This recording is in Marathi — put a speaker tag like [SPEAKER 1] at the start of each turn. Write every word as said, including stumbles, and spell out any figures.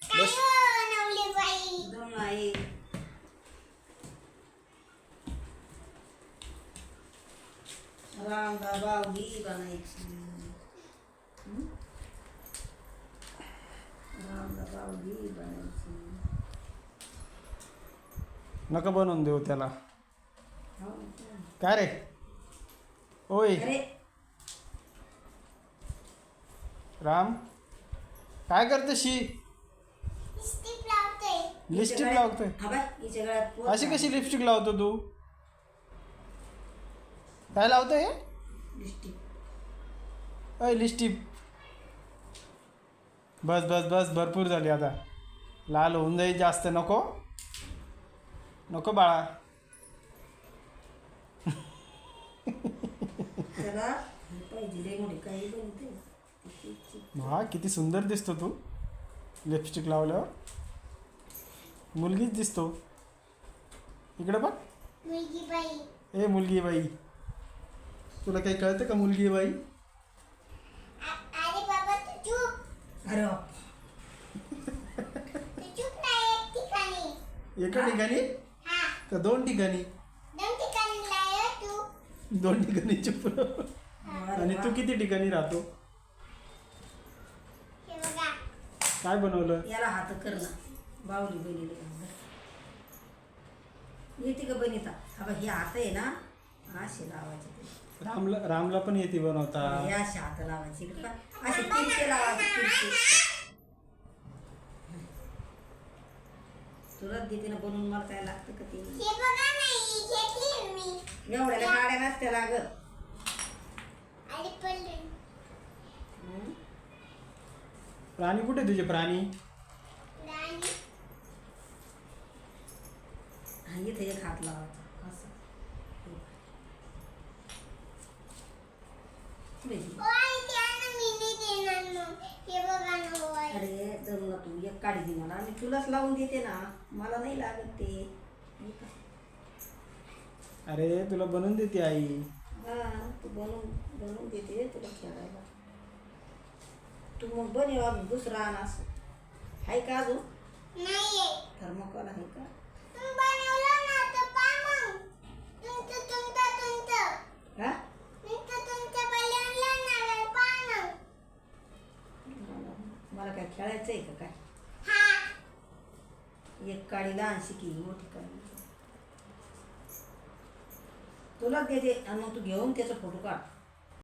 [SPEAKER 1] बस
[SPEAKER 2] दोन आहे. रामदा बावली बनायची. हं? रामदा बावली बनायची.
[SPEAKER 1] नका बनवून देऊ त्याला.
[SPEAKER 2] हो.
[SPEAKER 1] काय रे ओय
[SPEAKER 2] अरे
[SPEAKER 1] राम, काय करते शी? लिपस्टिक लावतोय.
[SPEAKER 2] हा बाय हिच्या गळ्यात पोत
[SPEAKER 1] अशी कशी लिपस्टिक लावतो तू? काय लावतोय?
[SPEAKER 2] लिपस्टिक.
[SPEAKER 1] अय लिपस्टिक. बस बस बस भरपूर झाली आता. लाल होऊन जाईल जास्त. नको नको बाळा.
[SPEAKER 2] त्याला हे पाहिजे रे मोठी काही बनते.
[SPEAKER 1] हा किती सुंदर दिसतो तू लिपस्टिक लावल्यावर. मुलगीच दिसतो. इकडे बघ.
[SPEAKER 3] मुलगी बाई.
[SPEAKER 1] ए मुलगी बाई, तुला काही कळतं का मुलगी बाई?
[SPEAKER 3] अरे बाबा तू चूप.
[SPEAKER 2] अरे बाप.
[SPEAKER 3] तू चूप नाही एक ठिकाणी.
[SPEAKER 1] एका ठिकाणी
[SPEAKER 3] हा
[SPEAKER 1] का दोन ठिकाणी?
[SPEAKER 3] दोन ठिकाणी लाय तू.
[SPEAKER 1] दोन ठिकाणी चुप. आणि तू किती ठिकाणी राहतो?
[SPEAKER 3] हे बघा.
[SPEAKER 1] काय बनवलं?
[SPEAKER 2] याला हात कर ना. बावली बनिले येते का बनिता? हा बघ हे हात आहे ना असे लावायचे ते.
[SPEAKER 1] रामला रामला पण येते बनवता.
[SPEAKER 2] हे असे हात लावायचे इकडे का असे तिरके लावायचे तिरके. तुला देते ना बनवून. मला काय लागतं का ते?
[SPEAKER 3] हे बघा नाही घेतली मी.
[SPEAKER 2] एवढ्याला गाड्या नसत्या लागत.
[SPEAKER 3] अरे पडले.
[SPEAKER 1] प्राणी कुठे तुझे प्राणी?
[SPEAKER 3] राणी.
[SPEAKER 2] हा इथे एक हात लावायचा असं. पुढे ये.
[SPEAKER 3] ओय त्यानं मी नाही देणार मग. हे बघा ना ओय.
[SPEAKER 2] अरे धरू ना तू एक काढी दे मला. आणि तुलाच लावून देते ना. मला नाही लागत ते. हे का?
[SPEAKER 1] अरे तुला बनवून देते आई.
[SPEAKER 2] हा तू बनवून बनवून देते तुला खेळायला. तू मग बनव अजून दुसरा आण असं. आहे का अजून?
[SPEAKER 3] नाहीये.
[SPEAKER 2] थर्मोकॉल आहे का?
[SPEAKER 3] तुम्ही बनवलं ना तर पा मग. तुमचं तुमचं तुमचं.
[SPEAKER 2] हा
[SPEAKER 3] तुमचं तुमचं बनवलं ना पा ना.
[SPEAKER 2] मला काय खेळायचं आहे का काय?
[SPEAKER 3] हा.
[SPEAKER 2] एक काडी लहानशी की मोठी काडी. तुलाच देते आणि मग तू घेऊन त्याचा फोटो काढ.